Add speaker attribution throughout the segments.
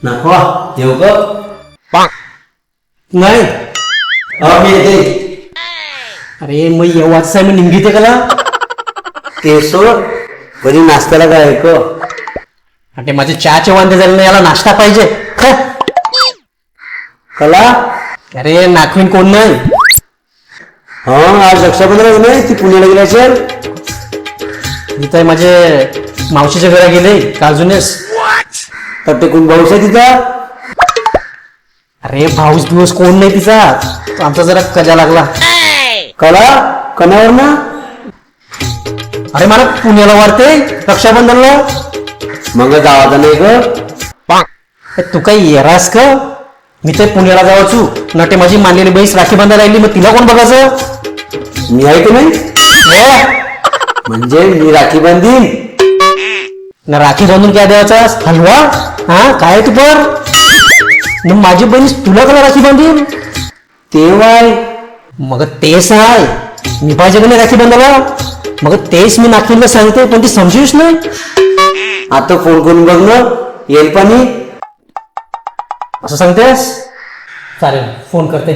Speaker 1: नाखवा येऊ का? नाही मी येते.
Speaker 2: अरे मग येवाच आहे मग निमगीते कला
Speaker 1: ते सोड कधी नाश्त्याला काय ऐक
Speaker 2: अरे माझे चहाचे वांदे झाले ना, याला नाश्ता पाहिजे.
Speaker 1: कला
Speaker 2: अरे नाखवीन कोण नाही.
Speaker 1: हा आज रक्षाबंधन नाही, ती पुण्याला गेली असेल.
Speaker 2: इथं माझे मावशीच्या घरा गेले काजूनेस.
Speaker 1: तर ते कोण भाऊस आहे तिचा?
Speaker 2: अरे भाऊस दिवस कोण नाही तिचा, तो आमचा जरा कजा लागला.
Speaker 1: कला कणावर ना.
Speaker 2: अरे मला पुण्याला वारते रक्षाबंधनला.
Speaker 1: मग गावाचा नाही ग.
Speaker 2: तू काही येरास का? मी तर पुण्याला जावाचू नटे माझी मानलेली बहीस राखी बांधायला राहिली, मग तिला कोण बघायचं?
Speaker 1: मी आहे की नाही? म्हणजे मी राखी बांधीन
Speaker 2: ना. राखी बांधून काय द्यायचा हलवा? हा काय तू पण माझी बहीण तुला कला राखी बांधीन?
Speaker 1: तेव्हाय
Speaker 2: मग तेच आहे, मी पाहिजे का नाही राखी बांधायला? मग तेच मी नागपूरला सांगते, पण ती समजूच नाही.
Speaker 1: आता फोन करून बघ ना, येईल पाणी
Speaker 2: असं सांगतेस? चालेल, फोन करते.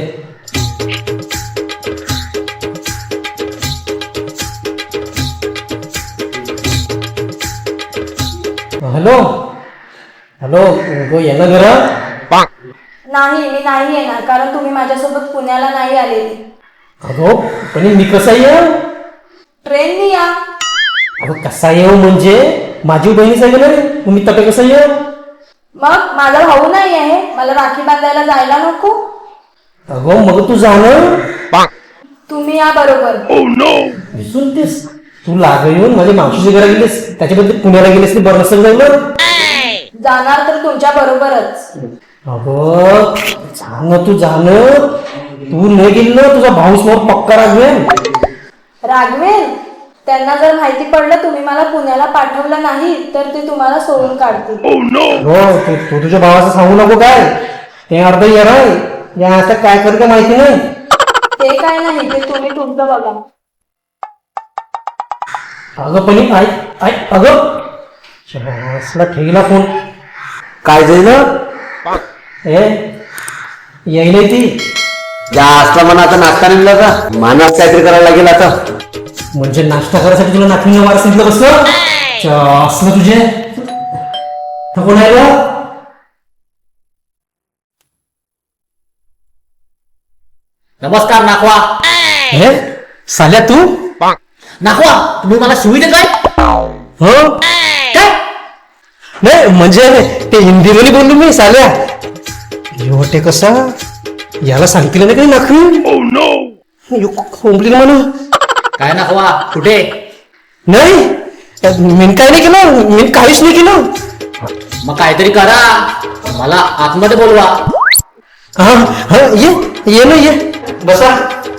Speaker 2: हॅलो हॅलो गो ये ना घरा.
Speaker 3: नाही, मी नाही येणार, कारण तुम्ही माझ्यासोबत पुण्याला नाही आलेली.
Speaker 2: अगो पण मी कसा येऊ?
Speaker 3: ट्रेननी या.
Speaker 2: अगो कसा येऊ म्हणजे माझी बहिणी सांगेल रे, तुम्ही तटे कसं येऊ?
Speaker 3: मग माझा भाऊ नाही आहे, मला राखी बांधायला जायला नको?
Speaker 2: अगो मग तू जाणं,
Speaker 3: तुम्ही या बरोबर.
Speaker 2: विसरून तेस तू लाग येऊन माझ्या मावशीच्या घरा गेलीस, त्याच्याबद्दल पुण्याला गेलीस ते बरं नसेल जायला.
Speaker 3: जाणार तर तुमच्या बरोबरच.
Speaker 2: अगं जाणं तू जाणं, तू नाही गेली ना तुझा भाऊ समोर पक्का रागवेल.
Speaker 3: रागवेल? त्यांना जर माहिती पडलं तुम्ही मला पुण्याला पाठवलं नाही तर ते तुम्हाला सोडून काढतील.
Speaker 2: हो तू तुझ्या भावाचं सांगू नको काय, ते अर्ध येणार या आता काय करते माहिती नाही.
Speaker 3: ते काय नाही, ते तुम्ही तुमचं बघा.
Speaker 2: अगं पण अगं असला ठेवला फोन.
Speaker 1: काय जाईल
Speaker 2: येईल ती
Speaker 1: जास्त म्हणा. आता नाश्ता निघला का मानस काहीतरी करायला लागेल आता.
Speaker 2: म्हणजे नाश्ता करायसाठी तुला नाथीनं वार सांगितलं कसं असलं तुझे तर कोण आहे ग?
Speaker 4: नमस्कार नाखवा.
Speaker 2: हे साल्या तू?
Speaker 4: नाखवा तुम्ही मला शिवी देताय?
Speaker 2: हो
Speaker 4: काय?
Speaker 2: नाही म्हणजे ते हिंदीमध्ये बोललो मी साल्या. योटे कसा याला सांगतील ना काही नाखवी खोंबली म्हणून.
Speaker 4: काय नाखवा कुठे?
Speaker 2: नाही मी काय नाही केलं, मी काहीच नाही केलं.
Speaker 4: मग काहीतरी करा, मला आतमध्ये बोलवा.
Speaker 2: हा हा ये ना ये बसा.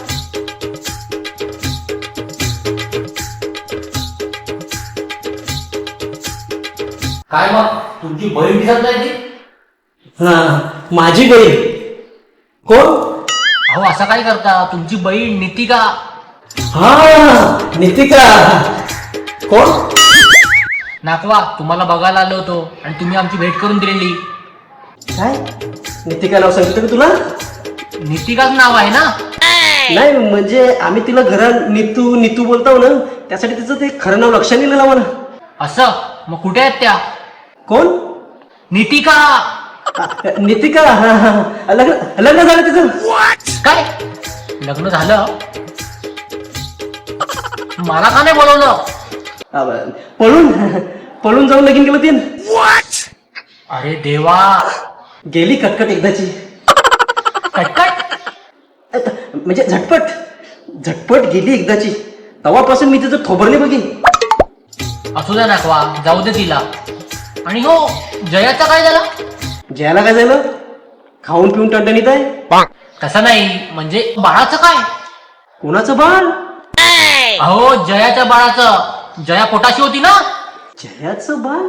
Speaker 4: काय मग तुमची बहीण दिसत नाही ती?
Speaker 2: हा माझी बहीण कोण?
Speaker 4: अहो असं काय करता, तुमची बहीण नितिका.
Speaker 2: हा नितिका कोण?
Speaker 4: नाखवा तुम्हाला बघायला आलो होतो आणि तुम्ही आमची भेट करून दिलेली.
Speaker 2: काय नितिका नाव सांगितलं का तुला?
Speaker 4: नितिकाच नाव आहे ना?
Speaker 2: नाही म्हणजे आम्ही तिला घरात नीतू नीतू बोलतो ना, त्यासाठी तिचं ते खरं नाव लक्षात नाही मला.
Speaker 4: असं मग कुठे आहेत त्या?
Speaker 2: कोण?
Speaker 4: नितिका.
Speaker 2: नितिका हा हा लग्न झालं तिचं.
Speaker 4: काय लग्न झालं? मला का नाही बोलवलं?
Speaker 2: पळून पळून जाऊन लगीन केलं तीन.
Speaker 4: अरे देवा.
Speaker 2: गेली कटकट एकदाची.
Speaker 4: कटकट
Speaker 2: म्हणजे झटपट गेली एकदाची. तेव्हापासून मी तिचं थोबरले बघीन.
Speaker 4: असू द्या नाखवा, जाऊ दे तिला. आणि हो जयाचा काय झाला?
Speaker 2: जयाला काय झालं? खाऊन पिऊन टणटणीत आहे.
Speaker 4: तसं नाही, म्हणजे बाळाचं काय?
Speaker 2: कोणाचं बाळ?
Speaker 4: अहो जयाच्या बाळाचं. जया पोटाशी होती ना?
Speaker 2: जयाचं बाळ?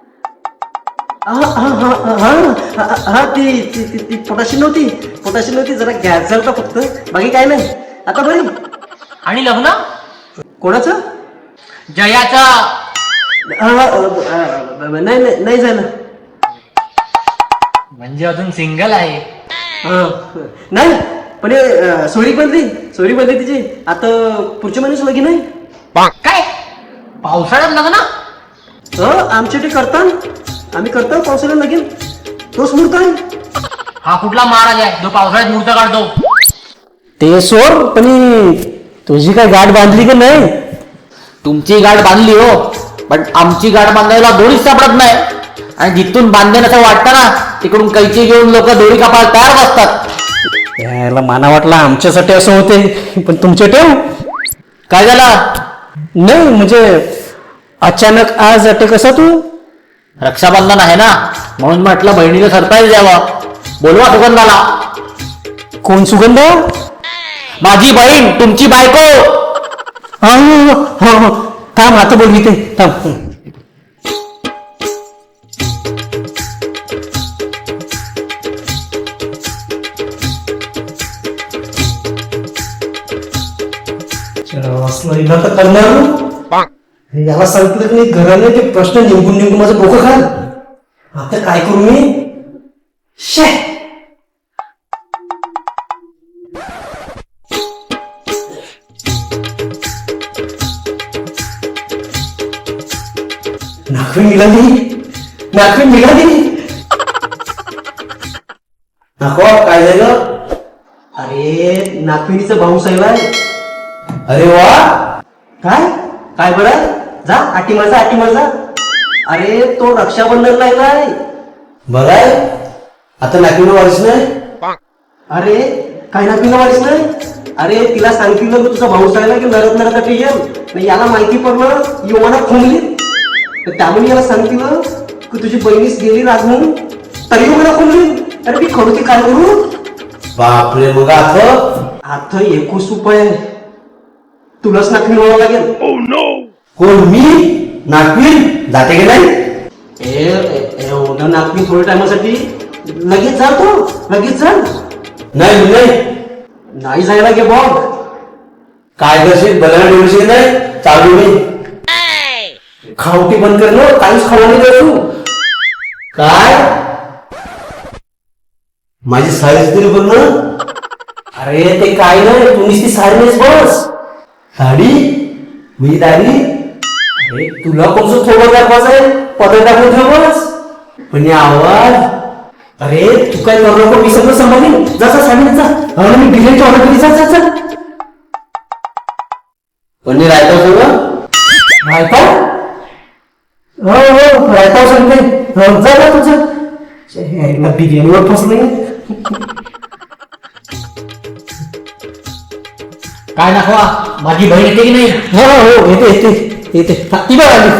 Speaker 2: हा ती पोटाशी नव्हती, जरा गॅस झालता फक्त, बाकी काय नाही. आता बरी.
Speaker 4: आणि लग्न
Speaker 2: कोणाचं?
Speaker 4: जयाचं.
Speaker 2: नाही झालं.
Speaker 4: म्हणजे अजून सिंगल आहे.
Speaker 2: नाही पण सोयरी बनली तिची आता पुढच्या महिन्याच लगीन आहे.
Speaker 4: काय पावसाळ्यात लग्न?
Speaker 2: आमच्या ते करतात, आम्ही करतो पावसाळ्यात लगीन. तोच मुहूर्त आहे.
Speaker 4: हा कुठला महाराज आहे जो पावसाळ्यात मुहूर्त काढतो?
Speaker 2: ते सोड, पण तुझी काय गाठ बांधली की नाही?
Speaker 1: तुमची गाठ बांधली हो, पण आमची गाठ बांधायला दोरीच सापडत नाही. आणि जिथून बांधेन असं वाटतं ना तिकडून कैची घेऊन लोक दोरी कापायला तयार बसतात.
Speaker 2: याला माना वाटला आमच्यासाठी असं होते, पण तुमचे ठेव
Speaker 1: काय झालं?
Speaker 2: नाही म्हणजे अचानक आज अटे कसा तू?
Speaker 1: रक्षाबंधन आहे ना, म्हणून म्हटलं बहिणीला सरप्राईज द्यावं. बोलवा सुगंधाला.
Speaker 2: कोण सुगंधा?
Speaker 1: माझी बहीण, तुमची बायको.
Speaker 2: थांब आता बोलवी ते थांब. तर करणार याला सांगितलं की नाही घराने ते प्रश्न निघून माझं डोकं खाल. आता काय करू मी? शे नाखवी मिळाली. नको काय झालं? अरे नागपिणीचा भाऊ साहेब आहे. अरे वा, काय काय बरं? जा आटी माझा. अरे तो रक्षाबंधनला आहे. बरं आहे. आता नागपिणं वाढीच नाही. अरे काय नागपिणं वाढीच नाही? अरे तिला सांगितलं तुझा भाऊ साहेब की नरत येईल. याला माहिती पडलं युवाना खुंबली, तर त्यामुळे याला सांगितलं की तुझी बहिणीच गेली राज म्हणून, तरी मला खुंबली. अरे मी खरं ते काय करू? बापरे, मग आता 21 रुपये तुलाच नागपिण व्हावं लागेल. कोण मी? नागपिण जाते की नाही? एवढं नागपिण थोड्या टायमासाठी लगेच जा. नाही जायला गे बघ. काय करशील? बघायला ठेवशील नाही चालू मी खावटी बंद कर ना, काहीच खावा नाही करू. काय माझी साडीच तरी बघ ना. अरे ते काय नाही, तुम्हीच ती साडी नाहीच बस. साडी मी दाडी. अरे तुला कोणतं थोडं दाखवायचं आहे? पदर टाकून ठेव बस. पण आवाज. अरे तू काय करू नको, मी सगळं सांभाळीन. जा साडीत जा. मी डिलेट ऑर्डर केली. जा.
Speaker 1: पण राहतो सगळं
Speaker 2: रायता? हो रायता सांगते. जा तुझं बिर्याणीवर फसलं.
Speaker 4: काय दाखवा? माझी बहीण येते की नाही?
Speaker 2: हो येते ती बघ आली.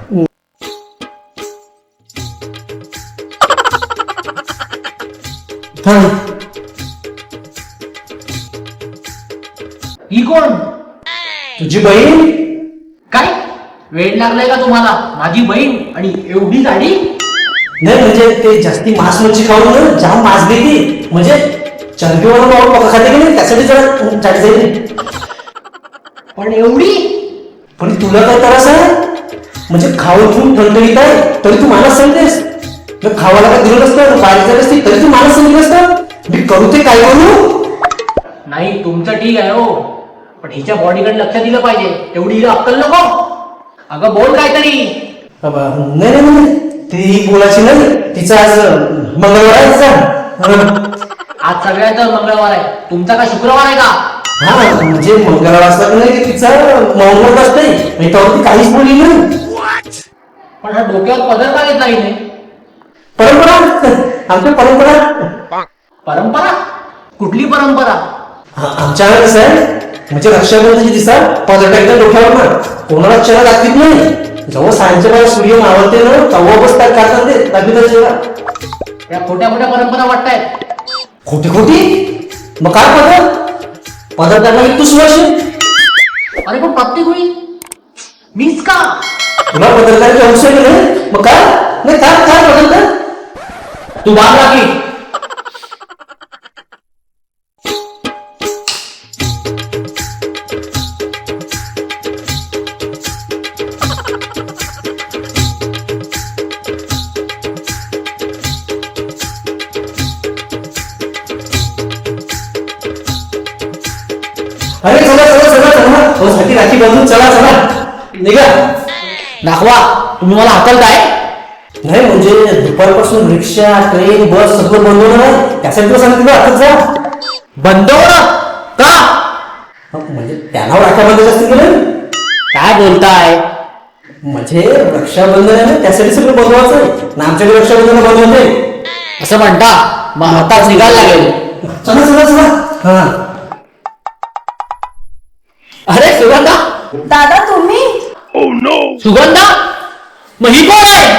Speaker 4: ही कोण?
Speaker 2: तुझी बहीण.
Speaker 4: काय वेळ लागलाय का तुम्हाला? माझी बहीण आणि एवढी गाडी?
Speaker 2: नाही म्हणजे ते जास्ती मांस मच्छी खाऊन जाम मांस देते, म्हणजे चरबीवाला पाऊल पका खाते की नाही, त्यासाठी जरा जाडी जाईल.
Speaker 4: पण एवढी?
Speaker 2: पण तुला काय त्रास आहे? म्हणजे खाऊन खूप ठणठणीत आहे तरी तू मला सांगतेस. खावायला काय दिलं नसतं, बाहेर जात असते तरी तू मला सांगितलं असतं. मी करू ते काय करू?
Speaker 4: नाही तुमचं ठीक आहे हो, पण हिच्या बॉडीकडे लक्ष दिलं पाहिजे. एवढी हिला अक्कल नको? अगं बोल काहीतरी.
Speaker 2: नाही ती बोलायची नाही. तिचा आज मंगळवार आहे.
Speaker 4: आज सगळ्यात मंगळवार आहे, तुमचा का शुक्रवार आहे का?
Speaker 2: हा म्हणजे मंगळवार असला की नाही तिचा मौन असते, ती काहीच बोलली नाही.
Speaker 4: पण हा डोक्यावर पदर का घेतला हिने?
Speaker 2: परंपरा, आमच्या परंपरा.
Speaker 4: परंपरा? कुठली परंपरा?
Speaker 2: आमच्या कसं आहे म्हणजे रक्षाबंधनाची दिसा पदर टाकतात डोक्यावर ना, कोणाला चेहरा दाखवित नाही. जेव्हा सांजच्या बाहेर सूर्य मावळते ना तेव्हा बस काय काढतात ते दाखवितात चेहरा.
Speaker 4: या खोट्या परंपरा वाटतायत.
Speaker 2: खोटी? मग काय पदर टाकला तूच वर्ष.
Speaker 4: अरे पण प्रत्येक वेळी मीच का?
Speaker 2: तुला पदर टाकायची अवसर नाही. मग काय नाही काय पदर
Speaker 4: तू बाग लागली.
Speaker 2: अरे चला चला चला चला हो साठी राखी बांधून चला चला निघा.
Speaker 1: नाखवा तुम्ही मला हाकलताय?
Speaker 2: नाही म्हणजे दुपारपासून रिक्षा ट्रेन बस सगळं बंद होणार आहे त्यासाठी तुला सांगितलं आताच जा.
Speaker 1: बंद होणं का?
Speaker 2: म्हणजे त्याला राख्या बांधायच्या असतील की नाही?
Speaker 1: काय बोलताय?
Speaker 2: म्हणजे रक्षाबंधन आहे ना त्यासाठी सगळं बंद व्हायचं आहे ना आमच्याकडे रक्षाबंधन बंद होते
Speaker 1: असं म्हणता? मग आता निघायला लागेल.
Speaker 2: चला चला चला हा.
Speaker 1: अरे सुगंधा,
Speaker 3: दादा तुम्ही
Speaker 1: सुगंधा मग ही कोण आहे?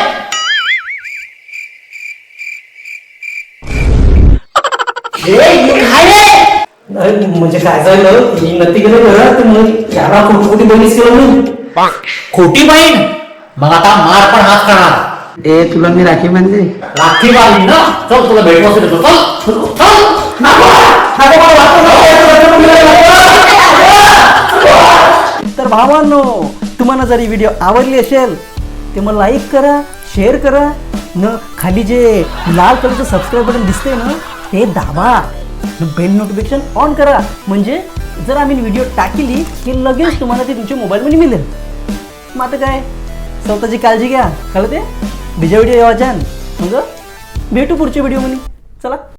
Speaker 1: हे काय रे?
Speaker 2: अरे म्हणजे काय झालं ही नक्की गेलं घरात तर मग याला खोटी बनीस केलं मी.
Speaker 1: खोटी बहीण? मग आता मार पण हात करणार.
Speaker 2: ए तुला मी राखी बांधली
Speaker 1: राखी बांधली ना? चल तुला भेटवू देतो. चल चल.
Speaker 5: तर भावांनो तुम्हाला जर ही व्हिडिओ आवडली असेल ते मग लाईक करा शेअर करा न खाली जे लाल कलरचं सबस्क्राईब बटन दिसते ना ते दाबा बेल नोटिफिकेशन ऑन करा म्हणजे जर आम्ही व्हिडिओ टाकली की लगेच तुम्हाला ते तुमच्या मोबाईलमध्ये मिळेल. मग आता काय स्वतःची काळजी घ्या कळते. बीजा व्हिडिओ यावाच्या मग भेटू पुढच्या व्हिडिओमध्ये. चला.